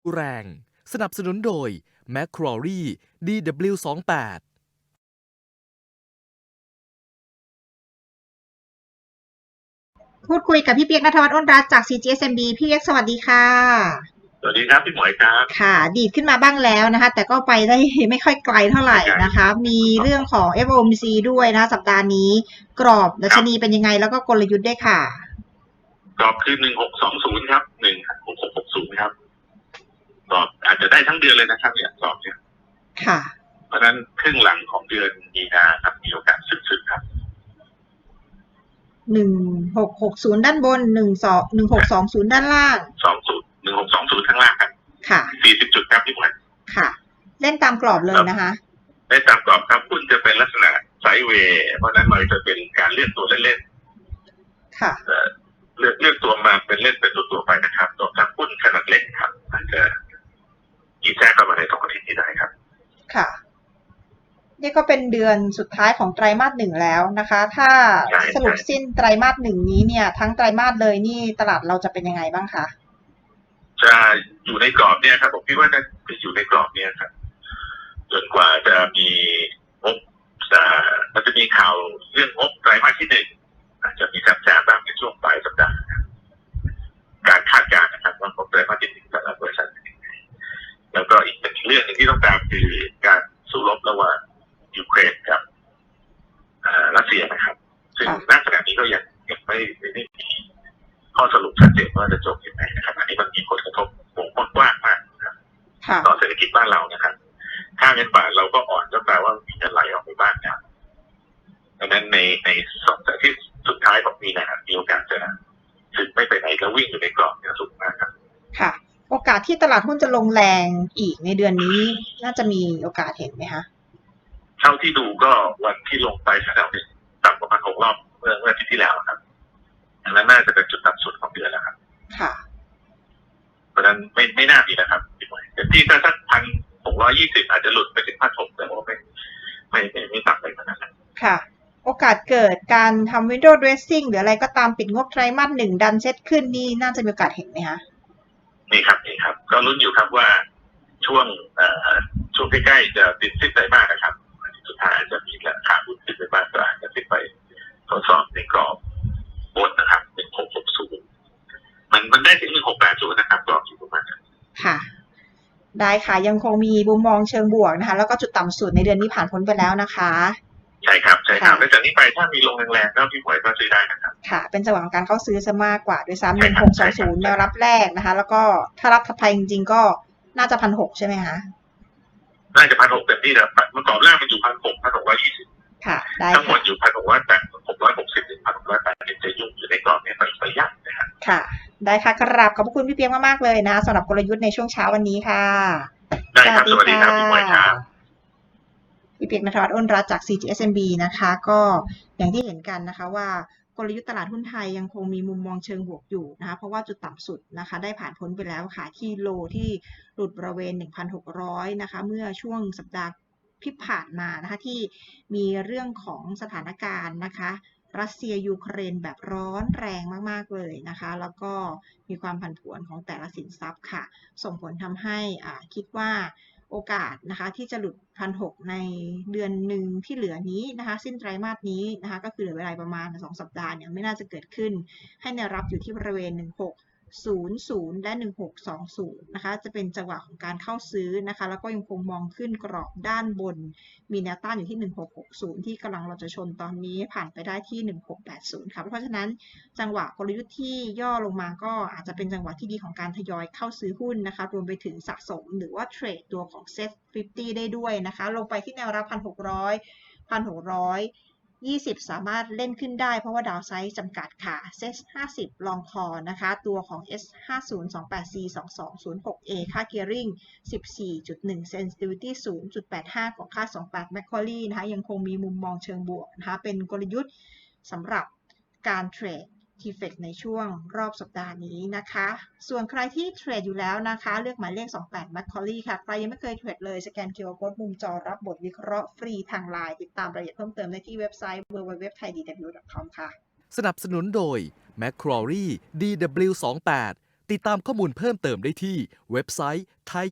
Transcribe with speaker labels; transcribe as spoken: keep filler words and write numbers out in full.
Speaker 1: แรงสนับสนุนโดย แมค ครอรี่ ดี ดับเบิลยู ยี่สิบแปด
Speaker 2: พูดคุยกับพี่เปียก ณัฐวัฒน์ อ้นรัตน์จาก ซี จี เอส เอ็ม บี พี่เปียกสวัสดีค่ะ
Speaker 3: สวัสดีครับพี่หมวยครับ
Speaker 2: ค่ะดีดขึ้นมาบ้างแล้วนะคะแต่ก็ไปได้ไม่ค่อยไกลเท่าไหร่นะคะมีเรื่องของ เอฟ โอ เอ็ม ซี ด้วยนะสัปดาห์นี้กรอบดัชนีเป็นยังไงแล้วก็กลยุทธ์ด้วยค่ะ
Speaker 3: กรอบคือหนึ่งหกสองศูนย์ครับหนึ่งหกหกหกศูนย์ครับกรอบอาจจะได้ทั้งเดือนเลยนะครับเนี่ยกรอบเนี่ย
Speaker 2: ค่ะ
Speaker 3: เพราะฉะนั้นครึ่งหลังของเดือนมีนาครับมีโอกาสสึกๆครับ
Speaker 2: หนึ่งหกหกศูนย์ด้านบนหนึ่งสองหนึ่งหกสองศูนย์ด้านล่าง
Speaker 3: สองศูนย์หนึ่งหกสองศูนย์ข้างล่างครับ
Speaker 2: ค่ะ
Speaker 3: สี่สิบจุดครับพี่หมวย
Speaker 2: ค่ะเล่นตามกรอบเลยนะคะ
Speaker 3: ได้ตามกรอบครับหุ้นจะเป็นลักษณะไซด์เวย์เพราะนั้นมันจะเป็นการเลือกตัวเล่น
Speaker 2: ๆค่ะ
Speaker 3: เลือกเลือกตัวมาเป็นเล่นเป็นตัวตัวไปนะครับตัวทั้งหุ้นขนาดเล็กครับอาจจะยีแทรกเข้ามาในสองอาทิตย์นี้ได้ครับ
Speaker 2: ค่ะนี่ก็เป็นเดือนสุดท้ายของไตรมาสหนึ่งแล้วนะคะถ้าสรุปสิ้นไตรมาสหนึ่งนี้เนี่ยทั้งไตรมาสเลยนี่ตลาดเราจะเป็นยังไงบ้างคะ
Speaker 3: จะอยู่ในกรอบเนี่ยครับผมคิดว่าจะอยู่ในกรอบเนี่ยครับจนกว่าจะมีงบมันจะมีข่าวเรื่องงบไตรมาสที่หนึ่งอาจจะมีการแจ้งบ้างในช่วงปลายสัปดาห์การคาดการณ์นะครับว่างบไตรมาสที่หนึ่งแต่ละบริษัทแล้วก็อีกเป็นเรื่องหนึ่งที่ต้องตามคือการสู้รบระหว่างยูเครนกับรัสเซียนะครับซึ่งณขณะนี้ก็ยังยังไม่ได้มีข้อสรุปชัดเจนว่าจะจบยังไงนะครับอันนี้มันมีผลกระทบวงกว้างมากนะครับต่อเศรษฐกิจบ้านเรานะครับค่าเงินบาทเราก็อ่อนก็แปลว่ามีเงินไหลออกไปบ้างครับดังนั้นในในสองสัปดาห์ที่สุดท้ายของปีนะครับมีโอกาสจะถึงไม่ไปไหนแล้ววิ่งอยู่ในกรอบเนี่ยสูงมากครับ
Speaker 2: ค่ะโอกาสที่ตลาดหุ้นจะลงแรงอีกในเดือนนี้น่าจะมีโอกาสเห็นไหมคะ
Speaker 3: เท่าที่ดูก็วันที่ลงไปแถวๆต่ำประมาณหกรอบเมื่อเมื่ออาทิตย์ที่แล้วครับอันนั้นน่าจะเป็นจุดต่ำสุดของเดือนแล้วครับ
Speaker 2: ค่ะ
Speaker 3: เพราะฉะนั้นไม่ไม่น่ามีนะครับพี่หมวยแต่ที่ถ้าสักพันหกร้อยยี่สิบอาจจะหลุดไปถึงพันหกแต่ว่าไม่ไม่ไม่ไม่ต่ำไปขนาดนั้น
Speaker 2: ค่ะโอกาสเกิดการทำ window dressing หรืออะไรก็ตามปิดงบไตรมาสหนึ่งดันเซ็ตขึ้นนี่น่าจะมีโอกาสเห็นไหมคะ
Speaker 3: นี่ครับนี่ครับก็ลุ้นอยู่ครับว่าช่วงเอ่อช่วงใกล้ๆจะติดสิ้นไตรมาสนะครับสุดท้ายอาจจะมีราคาหุ้นขึ้นไปบ้างก็อาจจะขึ้นไปทดสอบในกรอบบนนะครับหนึ่งหกหกศูนย์มันมันได้ถึงหนึ่งหกแปดศูนย์นะครับกรอบอยู่ประมาณนั้น
Speaker 2: ค่ะได้ค่ะยังคงมีมุมมองเชิงบวกนะคะแล้วก็จุดต่ำสุดในเดือนนี้ผ่านพ้นไปแล้วนะคะ
Speaker 3: ใช่ครับใช่ครับแล้วจากนี้ไปถ้ามีลงแรงๆก็พี่หมวยก็ซื้อได้นะครับ
Speaker 2: ค่ะเป็นจังหวะของการเข้าซื้อซะมากกว่าด้วยซ้ำหนึ่งหกสองศูนย์แนวรับแรกนะคะแล้วก็ถ้ารับถัดไปจริงๆก็น่าจะพันหกใช่ไหมคะ
Speaker 3: น่าจะพันหกเต็มที่แล้วเมื่อก่อนแรกมันอยู่พันหกพันหกร้อยยี่สิบ
Speaker 2: ค่ะได้
Speaker 3: ทั้งหมดอยู่พันหกร้อยแปดหกร้อยหกสิบถึงพันหกร้อยแปดสิบจะยุ่งอยู่ในกรอบนี้ไปไปยากนะครับ
Speaker 2: ค่ะได้ค่ะกราบขอบคุณพี่เปียกมากๆเลยนะสำหรับกลยุทธ์ในช่วงเช้าวันนี้ค่ะ
Speaker 3: ได้ครับสวัสดีครับพี่หมวยครับ
Speaker 2: พี่เปียก ณัฐวัฒน์ อ้นรัตน์จาก ซี จี เอส เอ็ม บี นะคะก็อย่างที่เห็นกันนะคะว่ากลยุทธ์ตลาดหุ้นไทยยังคงมีมุมมองเชิงบวกอยู่นะคะเพราะว่าจุดต่ำสุดนะคะได้ผ่านพ้นไปแล้วค่ะที่โลที่หลุดบริเวณ หนึ่งพันหกร้อย นะคะเมื่อช่วงสัปดาห์ที่ผ่านมานะคะที่มีเรื่องของสถานการณ์นะคะรัสเซียยูเครนแบบร้อนแรงมากๆเลยนะคะแล้วก็มีความผันผวนของแต่ละสินทรัพย์ค่ะส่งผลทำให้อ่าคิดว่าโอกาสนะคะที่จะหลุด หนึ่งพันหกร้อย ในเดือนหนึ่งที่เหลือนี้นะคะสิ้นไตรมาสนี้นะคะก็คือเหลือเวลาประมาณสองสัปดาห์เนี่ยไม่น่าจะเกิดขึ้นให้แนวรับอยู่ที่บริเวณหนึ่งหกศูนย์ศูนย์และหนึ่งหกสองศูนย์นะคะจะเป็นจังหวะของการเข้าซื้อนะคะแล้วก็ยังคงมองขึ้นกรอบด้านบนมีแนวต้านอยู่ที่หนึ่งหกหกศูนย์ที่กำลังเราจะชนตอนนี้ผ่านไปได้ที่หนึ่งหกแปดศูนย์ค่ะเพราะฉะนั้นจังหวะกลยุทธ์ที่ย่อลงมาก็อาจจะเป็นจังหวะที่ดีของการทยอยเข้าซื้อหุ้นนะคะรวมไปถึงสะสมหรือว่าเทรดตัวของ เซ็ต ห้าสิบ ได้ด้วยนะคะลงไปที่แนวรับ หนึ่งพันหกร้อย หนึ่งพันหกร้อยยี่สิบสามารถเล่นขึ้นได้เพราะว่าดาวไซด์จำกัดค่ะ เซ็ต ห้าสิบ ลองคอนะคะตัวของ เอส ห้าศูนย์ สองแปดสี่ สองสองศูนย์หก เอ ค่า Gearing สิบสี่จุดหนึ่ง Sensitivity ศูนย์จุดแปดห้า ของค่า สองสิบแปด Macquarie นะคะยังคงมีมุมมองเชิงบวกนะคะเป็นกลยุทธ์สำหรับการเทรด ที เอฟ อี ซี ในช่วงรอบสัปดาห์นี้นะคะส่วนใครที่เทรดอยู่แล้วนะคะเลือกหมายเลขสองสิบแปด Macquarie ค่ะใครยังไม่เคยเทรดเลยสแกน คิว อาร์ Code มุมจอรับบทวิเคราะห์ฟรีทาง ไลน์ ติดตามรายละเอียดเพิ่มเติมได้ที่เว็บไซต์ ดับเบิลยู ดับเบิลยู ดับเบิลยู ดอท ไทย ดี ดับเบิลยู ดอท คอม ค่ะ
Speaker 1: สนับสนุนโดย แมค ครอรี่ ดี ดับเบิลยู ยี่สิบแปดติดตามข้อมูลเพิ่มเติมได้ที่เว็บไซต์ ไทย